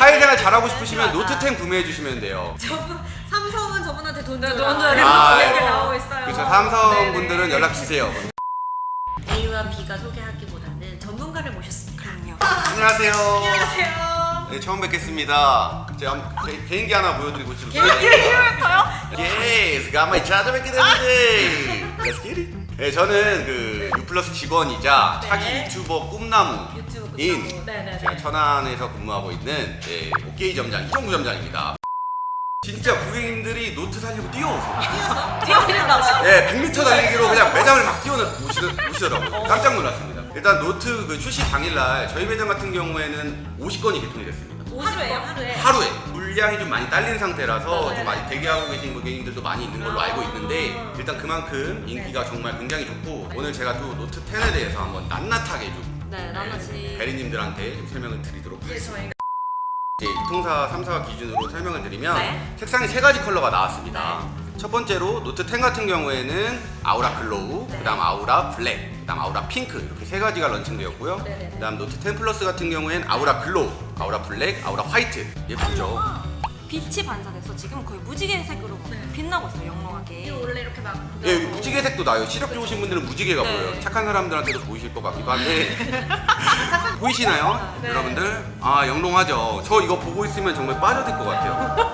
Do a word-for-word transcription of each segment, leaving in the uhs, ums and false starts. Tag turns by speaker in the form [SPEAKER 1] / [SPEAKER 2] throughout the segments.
[SPEAKER 1] 사회생활 잘하고 싶으시면 노트 텐 구매해 주시면 돼요.
[SPEAKER 2] 저분 삼성은 저분한테 돈
[SPEAKER 3] 네,
[SPEAKER 2] 줘라.
[SPEAKER 3] 돈 줘라.
[SPEAKER 1] 아,
[SPEAKER 2] 이렇게
[SPEAKER 1] 네.
[SPEAKER 2] 나오고 있어요.
[SPEAKER 1] 그렇죠. 삼성
[SPEAKER 2] 네네.
[SPEAKER 1] 분들은 연락 주세요.
[SPEAKER 2] A와 B가 소개하기보다는 전문가를 모셨습니다. 그럼요.
[SPEAKER 1] 안녕하세요.
[SPEAKER 2] 안녕하세요.
[SPEAKER 1] 네, 처음 뵙겠습니다. 제가 개, 개인기 하나 보여드리고 싶어요.
[SPEAKER 3] 이거요?
[SPEAKER 1] Yes, got my 찾아뵙게 됐는데. Let's get it. 네, 저는 그 유플러스 직원이자
[SPEAKER 2] 네.
[SPEAKER 1] 차기 유튜버 꿈나무인
[SPEAKER 2] 유튜브 꿈나무. 네네네.
[SPEAKER 1] 제가 천안에서 근무하고 있는 네, 오케이 점장 이정구 점장입니다. 진짜 고객님들이 노트 살려고 뛰어오세요.
[SPEAKER 2] 뛰어드린다고.
[SPEAKER 1] 네, 백 미터 달리기로 그냥 매장을 막 뛰어오시더라고요. 깜짝 놀랐습니다. 일단 노트 그 출시 당일날 저희 매장 같은 경우에는 오십 건이 개통이 됐습니다.
[SPEAKER 2] 하루에요? 하루에?
[SPEAKER 1] 하루에 물량이 좀 많이 딸린 상태라서
[SPEAKER 2] 네.
[SPEAKER 1] 좀 많이 대기하고 계신 고객님들도 많이 있는 걸로 알고 있는데 일단 그만큼 인기가 정말 굉장히 좋고 오늘 제가 또 노트 텐에 대해서 한번 낱낱하게 좀
[SPEAKER 3] 네, 나머지
[SPEAKER 1] 대리님들한테 좀 설명을 드리도록
[SPEAKER 2] 예,
[SPEAKER 1] 하겠습니다.
[SPEAKER 2] 저희가
[SPEAKER 1] 이제 이통사 삼 사가 기준으로 설명을 드리면
[SPEAKER 3] 네.
[SPEAKER 1] 색상이 세 가지 컬러가 나왔습니다. 첫 번째로 노트 텐 같은 경우에는 아우라 글로우,
[SPEAKER 2] 네.
[SPEAKER 1] 그다음 아우라 블랙, 그다음 아우라 핑크 이렇게 세 가지가 런칭되었고요.
[SPEAKER 2] 네네네.
[SPEAKER 1] 그다음 노트 텐 플러스 같은 경우에는 아우라 글로우, 아우라 블랙, 아우라 화이트 예쁘죠?
[SPEAKER 3] 빛이 반사돼서 지금 거의 무지개색으로
[SPEAKER 2] 네.
[SPEAKER 3] 빛나고 있어요, 영롱하게.
[SPEAKER 2] 이거 원래 이렇게 막
[SPEAKER 1] 예, 무지개색도 나요. 시력 좋으신 분들은 무지개가
[SPEAKER 3] 네.
[SPEAKER 1] 보여요. 착한 사람들한테도 보이실 것 같기도 한데 보이시나요?
[SPEAKER 2] 네.
[SPEAKER 1] 여러분들? 아 영롱하죠. 저 이거 보고 있으면 정말 빠져들 것 같아요.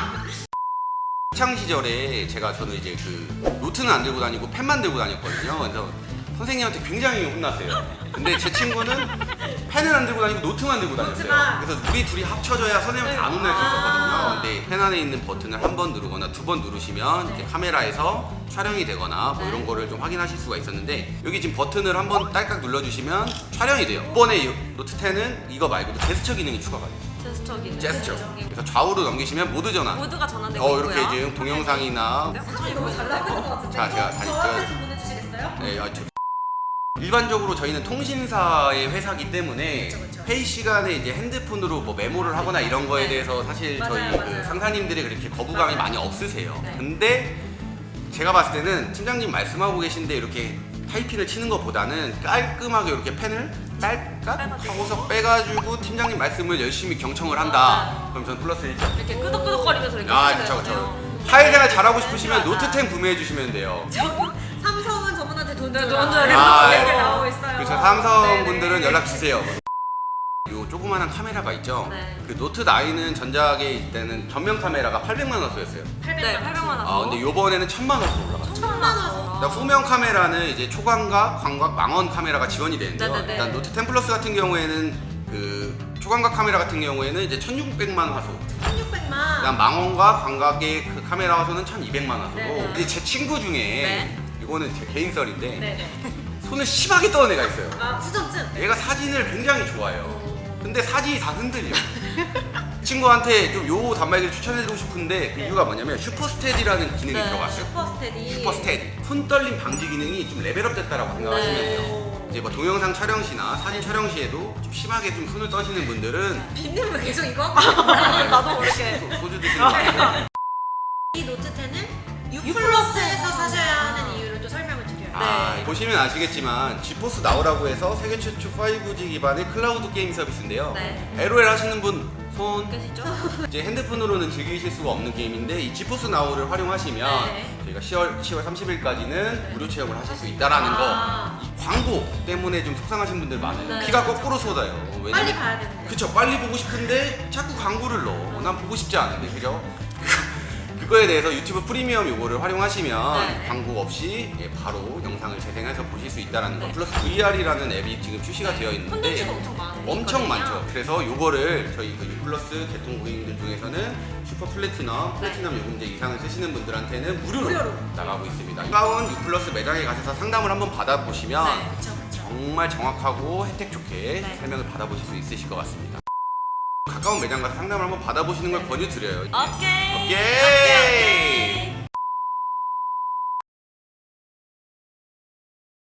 [SPEAKER 1] 학창 시절에 제가 저는 이제 그 노트는 안 들고 다니고 펜만 들고 다녔거든요. 그래서 선생님한테 굉장히 혼났어요. 근데 제 친구는 펜을 안 들고 다니고 노트만 들고 다녔어요.
[SPEAKER 2] 노트만.
[SPEAKER 1] 그래서 우리 둘이 합쳐져야 선생님한테 안 혼날 수
[SPEAKER 2] 아.
[SPEAKER 1] 있었거든요. 근데 펜 안에 있는 버튼을 한 번 누르거나 두 번 누르시면 이제 카메라에서 촬영이 되거나 뭐 이런 거를 좀 확인하실 수가 있었는데 여기 지금 버튼을 한 번 딸깍 눌러주시면 촬영이 돼요. 이번에 이 노트 텐은 이거 말고도 제스처 기능이 추가가 돼요.
[SPEAKER 3] 제스처기는.
[SPEAKER 1] 제스처. 그래서 좌우로 넘기시면 모드 전환.
[SPEAKER 3] 모두가 전환되고
[SPEAKER 1] 어
[SPEAKER 3] 있고요.
[SPEAKER 1] 이렇게 지금 동영상이나
[SPEAKER 2] 사진이 너무 잘 나오는 것 같은데.
[SPEAKER 1] 자, 제가 사진
[SPEAKER 2] 저한테
[SPEAKER 1] 찍어요.
[SPEAKER 2] 좀 보내주시겠어요?
[SPEAKER 1] 네, 아, 저... 일반적으로 저희는 통신사의 회사기 때문에
[SPEAKER 2] 그쵸, 그쵸.
[SPEAKER 1] 회의 시간에 이제 핸드폰으로 뭐 메모를 하거나 이런 거에
[SPEAKER 3] 네.
[SPEAKER 1] 대해서 사실
[SPEAKER 2] 맞아요,
[SPEAKER 1] 저희 그
[SPEAKER 2] 맞아요.
[SPEAKER 1] 상사님들이 그렇게 거부감이
[SPEAKER 2] 맞아요.
[SPEAKER 1] 많이 없으세요.
[SPEAKER 3] 네.
[SPEAKER 1] 근데 제가 봤을 때는 팀장님 말씀하고 계신데 이렇게 타이핑을 치는 것보다는 깔끔하게 이렇게 펜을 딸깍
[SPEAKER 3] 빼가지고.
[SPEAKER 1] 하고서 빼가지고 팀장님 말씀을 열심히 경청을 한다.
[SPEAKER 3] 맞아요.
[SPEAKER 1] 그럼 전 플러스 일 점.
[SPEAKER 3] 이렇게 끄덕끄덕거리면서 이렇게
[SPEAKER 1] 아,
[SPEAKER 3] 해야
[SPEAKER 1] 그쵸, 그쵸.
[SPEAKER 3] 되거든요.
[SPEAKER 1] 사회생활 잘하고 싶으시면
[SPEAKER 3] 맞아.
[SPEAKER 1] 노트 텐 구매해 주시면 돼요.
[SPEAKER 2] 저분 삼성은 저분한테 돈
[SPEAKER 3] 네,
[SPEAKER 2] 줘라.
[SPEAKER 3] 돈 줘라.
[SPEAKER 1] 아,
[SPEAKER 2] 이렇게
[SPEAKER 1] 네.
[SPEAKER 2] 나오고 있어요.
[SPEAKER 1] 그래서 삼성
[SPEAKER 2] 네네.
[SPEAKER 1] 분들은 연락 주세요. 요 조그마한 카메라가 있죠.
[SPEAKER 3] 네.
[SPEAKER 1] 그 노트 나인은 전작에 있때는 전면 카메라가 팔백만 원 쓰였어요.
[SPEAKER 3] 네, 팔백만 원.
[SPEAKER 1] 아 근데 요번에는 천만 원 올라갔어요.
[SPEAKER 3] 천만 원.
[SPEAKER 1] 그러니까 후면 카메라는 이제 초광각, 광각, 망원 카메라가 지원이 되는데요.
[SPEAKER 3] 네네네.
[SPEAKER 1] 일단 노트 텐 플러스 같은 경우에는 그 초광각 카메라 같은 경우에는 이제 천육백만 화소.
[SPEAKER 2] 천육백만.
[SPEAKER 1] 그다음 망원과 광각의 그 카메라 화소는 천이백만 화소로.
[SPEAKER 2] 네네.
[SPEAKER 1] 이제 제 친구 중에
[SPEAKER 3] 네.
[SPEAKER 1] 이거는 제 개인 썰인데
[SPEAKER 2] 네네.
[SPEAKER 1] 손을 심하게 떠는 애가 있어요.
[SPEAKER 2] 아 수전증.
[SPEAKER 1] 얘가 사진을 굉장히 좋아해요. 근데 사진이 다 흔들려. 친구한테 좀 요 단말기를 추천해드리고 싶은데 그
[SPEAKER 2] 네.
[SPEAKER 1] 이유가 뭐냐면 슈퍼스테디라는 기능이
[SPEAKER 3] 네.
[SPEAKER 1] 들어갔어요.
[SPEAKER 2] 슈퍼스테디.
[SPEAKER 1] 슈퍼스테디. 손떨림 방지 기능이 좀 레벨업 됐다라고 생각하시면
[SPEAKER 3] 네.
[SPEAKER 1] 돼요. 이제 뭐 동영상 촬영 시나 사진 촬영 시에도 좀 심하게 좀 손을 떠시는 분들은
[SPEAKER 2] 빈님 왜 계속 이거 하고 있어요?
[SPEAKER 3] 나도 모르게.
[SPEAKER 1] 소- 소주 드시는 거 아니에요?
[SPEAKER 2] 이 노트 텐은 U 플러스에서 사셔야 하는 이유를 또 설명을 드려요.
[SPEAKER 1] 아,
[SPEAKER 3] 네.
[SPEAKER 1] 보시면 아시겠지만 지포스 나우라고 해서 세계 최초 파이브 지 기반의 클라우드 게임 서비스인데요.
[SPEAKER 3] 네.
[SPEAKER 1] 엘오엘 하시는 분 손.
[SPEAKER 3] 계시죠?
[SPEAKER 1] 이제 핸드폰으로는 즐기실 수가 없는 게임인데 이 지포스 나우를 활용하시면
[SPEAKER 2] 네.
[SPEAKER 1] 저희가 시월, 시월 삼십일까지는 무료 체험을 하실 수 있다라는
[SPEAKER 2] 아.
[SPEAKER 1] 거. 이 광고 때문에 좀 속상하신 분들 많아요.
[SPEAKER 3] 네.
[SPEAKER 1] 피가 거꾸로 쏟아요. 왜냐면
[SPEAKER 2] 빨리 봐야 되는데.
[SPEAKER 1] 그쵸, 빨리 보고 싶은데 자꾸 광고를 넣어. 난 보고 싶지 않은데, 그죠? 그거에 대해서 유튜브 프리미엄 요거를 활용하시면
[SPEAKER 3] 네.
[SPEAKER 1] 광고 없이 예, 바로 영상을 재생해서 보실 수 있다는 거.
[SPEAKER 3] 네.
[SPEAKER 1] 플러스 브이알이라는 앱이 지금 출시가 되어 있는데
[SPEAKER 3] 콘텐츠가 엄청 많아요.
[SPEAKER 1] 엄청 많죠. 그래서 요거를 저희 그 유플러스 개통 고객님들 중에서는 슈퍼 플래티넘, 플래티넘 요금제 이상을 쓰시는 분들한테는 무료로,
[SPEAKER 2] 무료로.
[SPEAKER 1] 나가고 있습니다. 가까운 유플러스 매장에 가셔서 상담을 한번 받아보시면
[SPEAKER 3] 네.
[SPEAKER 2] 그쵸 그쵸.
[SPEAKER 1] 정말 정확하고 혜택 좋게
[SPEAKER 3] 네.
[SPEAKER 1] 설명을 받아보실 수 있으실 것 같습니다. 가까운 매장 가서 상담을 한번 받아보시는 걸 권유드려요.
[SPEAKER 3] 오케이.
[SPEAKER 1] 오케이.